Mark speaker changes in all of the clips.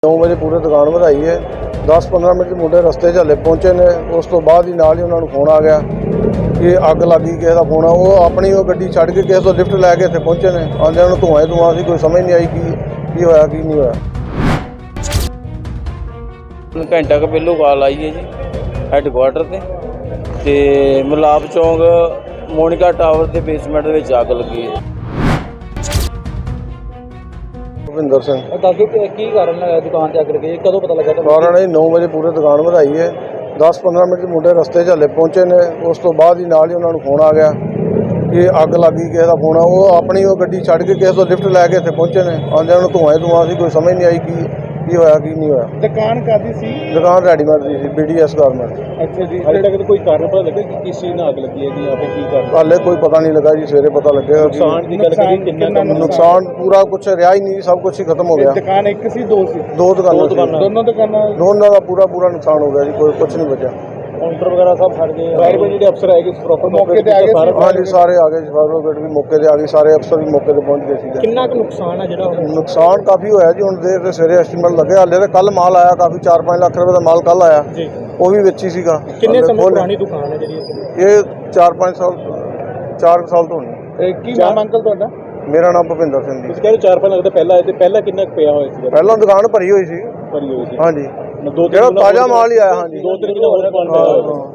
Speaker 1: 9 ਵਜੇ ਪੂਰੇ ਦੁਕਾਨ ਵਧਾਈ ਹੈ। 10-15 ਮਿੰਟ 'ਚ ਮੁੰਡੇ ਰਸਤੇ 'ਚ ਹਲੇ ਪਹੁੰਚੇ ਨੇ। ਉਸ ਤੋਂ ਬਾਅਦ ਹੀ ਨਾਲ ਹੀ ਉਹਨਾਂ ਨੂੰ ਫੋਨ ਆ ਗਿਆ ਕਿ ਅੱਗ ਲੱਗੀ। ਕਿਸੇ ਦਾ ਫੋਨ ਆ, ਉਹ ਆਪਣੀ ਉਹ ਗੱਡੀ ਛੱਡ ਕੇ ਕਿਸੇ ਤੋਂ ਲਿਫਟ ਲੈ ਕੇ ਇੱਥੇ ਪਹੁੰਚੇ ਨੇ। ਆਉਂਦਿਆਂ ਨੂੰ ਧੂੰਆਂ ਸੀ, ਕੋਈ ਸਮਝ ਨਹੀਂ ਆਈ ਕੀ ਹੋਇਆ ਕੀ ਨਹੀਂ ਹੋਇਆ।
Speaker 2: ਘੰਟਾ ਕੁ ਪਹਿਲੋਂ ਕਾਲ ਆਈ ਹੈ ਜੀ ਹੈੱਡਕੁਆਟਰ ਤੇ ਮਲਾਪ ਚੌਂਕ ਮੋਨਿਕਾ ਟਾਵਰ ਦੇ ਬੇਸਮੈਂਟ ਦੇ ਵਿੱਚ ਅੱਗ ਲੱਗੀ ਹੈ।
Speaker 1: ਭੁਪਿੰਦਰ ਸਿੰਘ।
Speaker 3: ਦੱਸੋ ਕੀ ਕਾਰਨ ਹੈ ਦੁਕਾਨ 'ਤੇ ਅੱਗ ਲੱਗੀ? ਕਦੋਂ ਪਤਾ ਲੱਗਾ ਤੁਹਾਨੂੰ?
Speaker 1: ਕਾਰਨ ਇਹ 9 ਵਜੇ ਪੂਰੇ ਦੁਕਾਨ ਵਧਾਈ ਹੈ। 10-15 ਮਿੰਟ 'ਚ ਮੁੰਡੇ ਰਸਤੇ 'ਚ ਹਲੇ ਪਹੁੰਚੇ ਨੇ। ਉਸ ਤੋਂ ਬਾਅਦ ਹੀ ਨਾਲ ਹੀ ਉਹਨਾਂ ਨੂੰ ਫੋਨ ਆ ਗਿਆ ਕਿ ਅੱਗ ਲੱਗੀ। ਕਿਸੇ ਦਾ ਫੋਨ ਆ, ਉਹ ਆਪਣੀ ਉਹ ਗੱਡੀ ਛੱਡ ਕੇ ਕਿਸੇ ਤੋਂ ਲਿਫਟ ਲੈ ਕੇ ਇੱਥੇ ਪਹੁੰਚੇ ਨੇ। ਆਉਂਦਿਆਂ ਨੂੰ ਧੂੰਆਂ ਸੀ, ਕੋਈ ਸਮਝ ਨਹੀਂ ਆਈ ਕੀ ਹੋਇਆ ਕੀ ਨਹੀਂ ਹੋਇਆ।
Speaker 3: ਦੁਕਾਨ ਕਾਹਦੀ ਸੀ?
Speaker 1: ਦੁਕਾਨ ਰੈਡੀਮੇਡ ਦੀ ਸੀ, BDS ਗਾਰਮੈਂਟ।
Speaker 3: ਅੱਛਾ ਜੀ। ਹਾਲੇ ਤੱਕ ਕੋਈ ਕਾਰਨ ਪਤਾ ਲੱਗਾ ਕਿ ਕਿਸ ਚੀਜ਼ ਨਾਲ ਅੱਗ ਲੱਗੀ ਹੈ ਜੀ? ਆਪੇ ਕੀ ਕਾਰਨ?
Speaker 1: ਹਾਲੇ ਕੋਈ ਪਤਾ ਨਹੀਂ ਲੱਗਾ ਜੀ, ਸਵੇਰੇ ਪਤਾ ਲੱਗੇਗਾ।
Speaker 3: ਨੁਕਸਾਨ ਦੀ ਗੱਲ ਕਰੀ ਕਿੰਨਾ
Speaker 1: ਨੁਕਸਾਨ ਪੂਰਾ ਕੁਛ ਰਿਹਾ ਹੀ ਨਹੀਂ, ਸਭ ਕੁਛ ਹੀ ਖਤਮ ਹੋ ਗਿਆ।
Speaker 3: ਦੁਕਾਨ ਇੱਕ ਸੀ ਦੋ ਸੀ?
Speaker 1: ਦੋ ਦੁਕਾਨਾਂ ਸੀ। ਦੋਨਾਂ ਦਾ ਪੂਰਾ ਨੁਕਸਾਨ ਹੋ ਗਿਆ ਜੀ, ਕੋਈ ਕੁਛ ਨਹੀਂ ਬਚਿਆ।
Speaker 3: ਕਾਊਂਟਰ ਵਗੈਰਾ ਸਭ ਫਟ ਗਏ। ਫਾਇਰ ਬ੍ਰਿਗੇਡ ਜਿਹੜੇ ਅਫਸਰ ਆਏ ਕਿ ਪ੍ਰੋਪਰ ਮੌਕੇ ਤੇ ਆ ਗਏ?
Speaker 1: ਹਾਂਜੀ, ਸਾਰੇ ਆ ਗਏ। ਫਾਇਰ ਬ੍ਰਿਗੇਡ ਵੀ ਮੌਕੇ ਤੇ ਆ ਗਈ, ਸਾਰੇ ਅਫਸਰ ਵੀ ਮੌਕੇ ਤੇ ਪਹੁੰਚ ਗਏ ਸੀ।
Speaker 3: ਕਿੰਨਾ ਕੁ ਨੁਕਸਾਨ ਹੈ ਜਿਹੜਾ?
Speaker 1: ਨੁਕਸਾਨ ਕਾਫੀ ਹੋਇਆ ਜੀ। ਹੁਣ ਦੇਰ ਤੇ ਸਵੇਰੇ ਐਸਟੀਮੇਟ ਲੱਗੇ। ਹਾਲੇ ਤਾਂ ਕੱਲ ਮਾਲ ਆਇਆ, ਕਾਫੀ 4-5 ਲੱਖ ਰੁਪਏ ਦਾ ਮਾਲ ਕੱਲ ਆਇਆ
Speaker 3: ਜੀ।
Speaker 1: ਉਹ ਵੀ ਵਿੱਚ ਹੀ ਸੀਗਾ।
Speaker 3: ਕਿੰਨੇ ਸਮੇਂ ਪੁਰਾਣੀ ਦੁਕਾਨ ਹੈ ਜਿਹੜੀ
Speaker 1: ਇਹ 4-5 ਸਾਲ 4 ਸਾਲ ਤੋਂ ਹੋਣੀ।
Speaker 3: ਕੀ ਨਾਮ ਅੰਕਲ ਤੁਹਾਡਾ?
Speaker 1: ਮੇਰਾ ਨਾਮ ਭੁਪਿੰਦਰ ਸਿੰਘ ਜੀ।
Speaker 3: ਤੁਸੀਂ ਕਹਿੰਦੇ 4-5 ਲੱਖ ਦਾ ਪਹਿਲਾਂ ਆਏ ਤੇ ਪਹਿਲਾਂ ਕਿੰਨਾ ਕੁ ਪਿਆ ਹੋਇਆ ਸੀ?
Speaker 1: ਪਹਿਲਾਂ ਦੁਕਾਨ ਭਰੀ ਹੋਈ ਸੀ।
Speaker 3: ਭਰੀ ਹੋਈ ਸੀ?
Speaker 1: ਹਾਂਜੀ,
Speaker 3: ਦੋ
Speaker 1: ਜਿਹੜਾ ਤਾਜ਼ਾ ਮਾਲ ਹੀ ਆਇਆ। ਹਾਂਜੀ,
Speaker 3: 2-3 ਦਿਨ ਹੋਰ ਦੁਕਾਨ ਪਿਆ।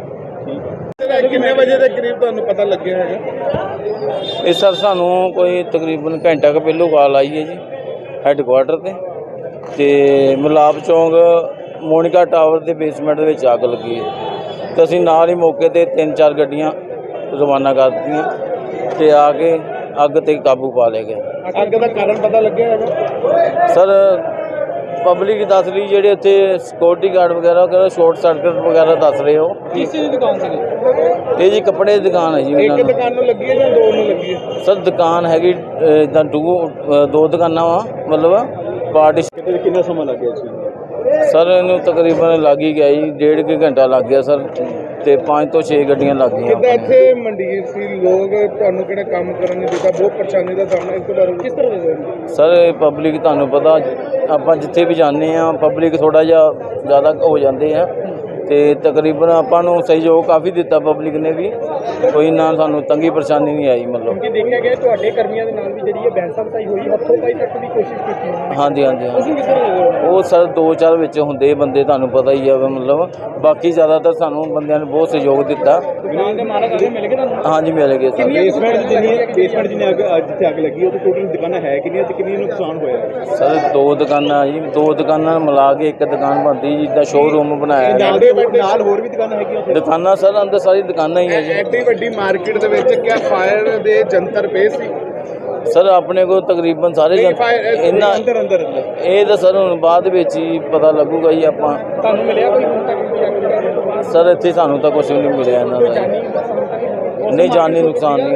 Speaker 3: ਕਿੰਨੇ ਵਜੇ ਦੇ ਕਰੀਬ ਤੁਹਾਨੂੰ ਪਤਾ ਲੱਗਿਆ ਹੈਗਾ?
Speaker 2: ਇਹ ਸਰ ਸਾਨੂੰ ਕੋਈ ਤਕਰੀਬਨ ਘੰਟਾ ਕੁ ਪਹਿਲੋਂ ਕਾਲ ਆਈ ਹੈ ਜੀ ਹੈੱਡਕੁਆਟਰ ਤੇ ਮਲਾਪ ਚੌਂਕ ਮੋਨਿਕਾ ਟਾਵਰ ਦੇ ਬੇਸਮੈਂਟ ਦੇ ਵਿੱਚ ਅੱਗ ਲੱਗੀ ਹੈ। ਤੇ ਅਸੀਂ ਨਾਲ ਹੀ ਮੌਕੇ ਤੇ 3-4 ਗੱਡੀਆਂ ਰਵਾਨਾ ਕਰ ਦਿੱਤੀਆਂ ਤੇ ਆ ਕੇ ਅੱਗ ਤੇ ਕਾਬੂ ਪਾ ਲਿਆ ਗਿਆ।
Speaker 3: ਅੱਗ ਦਾ ਕਾਰਨ ਪਤਾ ਲੱਗਿਆ ਹੈਗਾ?
Speaker 2: ਸਰ ਪਬਲਿਕ ਦੱਸ ਰਹੀ, ਜਿਹੜੇ ਉੱਥੇ ਸਿਕਿਉਰਿਟੀ ਗਾਰਡ ਵਗੈਰਾ ਕਹਿੰਦਾ ਸ਼ਾਰਟ ਸਰਕਟ ਵਗੈਰਾ ਦੱਸ ਰਹੇ ਹੋ।
Speaker 3: ਕਿਸ ਦੀ ਦੁਕਾਨ ਸੀ
Speaker 2: ਇਹ ਜੀ ਕੱਪੜੇ ਦੀ ਦੁਕਾਨ ਹੈ ਜੀ।
Speaker 3: ਇੱਕ ਦੁਕਾਨ ਨੂੰ ਲੱਗੀ ਹੈ ਜਾਂ ਦੋ ਨੂੰ ਲੱਗੀ ਹੈ?
Speaker 2: ਸਰ ਦੁਕਾਨ ਹੈਗੀ ਇੱਦਾਂ ਦੋ ਦੁਕਾਨਾਂ ਵਾ, ਮਤਲਬ ਪਾਰਟੀ।
Speaker 3: ਕਿੰਨਾ ਸਮਾਂ ਲੱਗ ਗਿਆ ਸੀ?
Speaker 2: ਸਰ ਇਹਨੂੰ ਤਕਰੀਬਨ ਲੱਗ ਹੀ ਗਿਆ ਜੀ, 1.5 ਘੰਟਾ ਲੱਗ ਗਿਆ ਸਰ। ਤੇ 5 ਤੋਂ 6 ਗੱਡੀਆਂ ਲੱਗ ਗਈਆਂ।
Speaker 3: ਕਿੱਦਾਂ ਇੱਥੇ ਮੰਡੀਰ ਸੀ ਲੋਕ, ਤੁਹਾਨੂੰ ਕਿਹੜਾ ਕੰਮ ਕਰਨ ਨਹੀਂ ਦਿੱਤਾ, ਬਹੁਤ ਪਰੇਸ਼ਾਨੀ ਦਾ ਸਾਹਮਣਾ ਇਸ ਤੋਂ ਬਾਰੇ ਕਿਸ ਤਰ੍ਹਾਂ ਦੇ?
Speaker 2: ਸਰ ਇਹ ਪਬਲਿਕ ਤੁਹਾਨੂੰ ਪਤਾ, ਆਪਾਂ ਜਿੱਥੇ ਵੀ ਜਾਂਦੇ ਆ ਪਬਲਿਕ ਥੋੜਾ ਜਿਹਾ ਜ਼ਿਆਦਾ ਹੋ ਜਾਂਦੇ ਆ ਤੇ ਤਕਰੀਬਨ ਆਪਾਂ ਨੂੰ ਸਹਿਯੋਗ ਕਾਫੀ ਦਿੱਤਾ ਪਬਲਿਕ ਨੇ ਵੀ। ਕੋਈ ਨਾ ਸਾਨੂੰ ਤੰਗੀ ਪਰੇਸ਼ਾਨੀ ਨਹੀਂ ਆਈ। ਮਤਲਬ
Speaker 3: ਕਿ ਦੇਖਿਆ ਗਿਆ ਤੁਹਾਡੇ ਕਰਮੀਆਂ ਦੇ ਨਾਲ ਵੀ ਜਿਹੜੀ ਹੈ ਬਹਿਸਾਬਸਾਈ ਹੋਈ, ਹੱਥੋਂ ਪਾਈ ਤੱਕ ਦੀ ਕੋਸ਼ਿਸ਼ ਕੀਤੀ।
Speaker 2: ਹਾਂਜੀ।
Speaker 3: ਤੁਸੀਂ ਕਿਸ ਤਰ੍ਹਾਂ?
Speaker 2: ਉਹ ਸਰ 2-4 ਵਿੱਚ ਹੁੰਦੇ ਬੰਦੇ, ਤੁਹਾਨੂੰ ਪਤਾ ਹੀ ਆ। ਮਤਲਬ ਬਾਕੀ ਜ਼ਿਆਦਾਤਰ ਸਾਨੂੰ ਬੰਦਿਆਂ ਨੇ ਬਹੁਤ ਸਹਿਯੋਗ ਦਿੱਤਾ।
Speaker 3: ਦੁਕਾਨ ਦੇ ਮਾਲਕ ਆਲੇ ਮਿਲ ਗਏ ਤੁਹਾਨੂੰ?
Speaker 2: ਹਾਂਜੀ, ਮਿਲ ਗਏ ਸਰ।
Speaker 3: ਬੇਸਮੈਂਟ ਜਿੰਨੀ ਅੱਗ ਜਿੱਥੇ ਅੱਗ ਲੱਗੀ ਉਹ ਟੋਟਲ ਦੁਕਾਨਾਂ ਹੈ ਕਿੰਨੀਆਂ ਤੇ ਕਿੰਨੀ ਨੁਕਸਾਨ ਹੋਇਆ?
Speaker 2: ਸਰ 2 ਦੁਕਾਨਾਂ ਜੀ, 2 ਦੁਕਾਨਾਂ ਮਿਲਾ ਕੇ ਇੱਕ ਦੁਕਾਨ ਬਣਦੀ, ਜਿੱਦਾਂ ਸ਼ੋਰੂਮ ਬਣਾਇਆ।
Speaker 3: ਨਾਲ ਹੋਰ ਵੀ ਦੁਕਾਨਾਂ ਹੈਗੀਆਂ?
Speaker 2: ਦੁਕਾਨਾਂ ਸਰ ਅੰਦਰ ਸਾਰੀ ਦੁਕਾਨਾਂ ਹੀ ਹੈ ਜੀ।
Speaker 3: ਐਡੀ ਵੱਡੀ ਮਾਰਕੀਟ ਦੇ ਵਿੱਚ ਕਿਆ ਫਾਇਰ ਦੇ ਜੰਤਰ ਪਏ ਸੀ?
Speaker 2: ਸਰ ਆਪਣੇ ਕੋਲ ਤਕਰੀਬਨ ਸਾਰੇ ਇਹਨਾਂ
Speaker 3: ਅੰਦਰ
Speaker 2: ਇਹ ਤਾਂ ਸਰ ਹੁਣ ਬਾਅਦ ਵਿੱਚ ਹੀ ਪਤਾ ਲੱਗੂਗਾ ਜੀ। ਆਪਾਂ
Speaker 3: ਤੁਹਾਨੂੰ ਮਿਲਿਆ ਕੋਈ ਹੁਣ ਤੱਕ?
Speaker 2: ਸਰ ਇੱਥੇ ਸਾਨੂੰ ਤਾਂ ਕੁਝ ਵੀ ਨਹੀਂ ਮਿਲਿਆ ਇਹਨਾਂ ਦਾ। ਨਹੀਂ, ਜਾਨੀ ਨੁਕਸਾਨ ਨਹੀਂ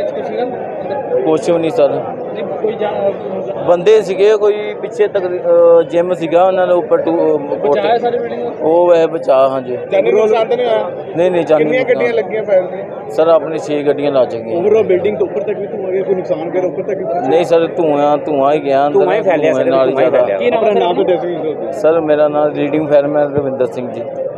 Speaker 2: ਆ, ਕੁਛ ਵੀ ਨਹੀਂ ਸਰ। ਬੰਦੇ ਸੀਗੇ ਕੋਈ ਪਿੱਛੇ ਤੱਕ ਜਿਮ ਸੀਗਾ, ਉਹਨਾਂ ਦੇ ਉੱਪਰ ਉਹ ਵੈ ਬਚਾ। ਹਾਂਜੀ,
Speaker 3: ਜਾਨੀ ਨੁਕਸਾਨ ਤਾਂ ਨਹੀਂ ਹੋਇਆ?
Speaker 2: ਨਹੀਂ ਜਾਨੀ।
Speaker 3: ਕਿੰਨੀਆਂ ਗੱਡੀਆਂ ਲੱਗੀਆਂ ਫਾਇਰ ਦੀਆਂ?
Speaker 2: ਸਰ ਆਪਣੀ 6 ਗੱਡੀਆਂ ਲੱਗ ਚੁੱਕੀਆਂ।
Speaker 3: ਓਵਰਆਲ ਬਿਲਡਿੰਗ ਤੋਂ ਉੱਪਰ ਤੱਕ ਵੀ ਧੂਆਂ ਗਿਆ? ਕੋਈ ਨੁਕਸਾਨ ਕਰ ਉੱਪਰ ਤੱਕ?
Speaker 2: ਨਹੀਂ ਸਰ, ਧੂਆਂ ਹੀ ਗਿਆ ਅੰਦਰ।
Speaker 3: ਧੂਆਂ ਹੀ ਫੈਲਿਆ
Speaker 2: ਨਾਲ ਹੀ ਜ਼ਿਆਦਾ।
Speaker 3: ਕੀ ਨਾਮ ਹੈ? ਨਾਮ ਦੱਸੋ।
Speaker 2: ਸਰ ਮੇਰਾ ਨਾਮ ਰੀਡਿੰਗ ਫਾਇਰਮੈਨ ਰਵਿੰਦਰ ਸਿੰਘ ਜੀ।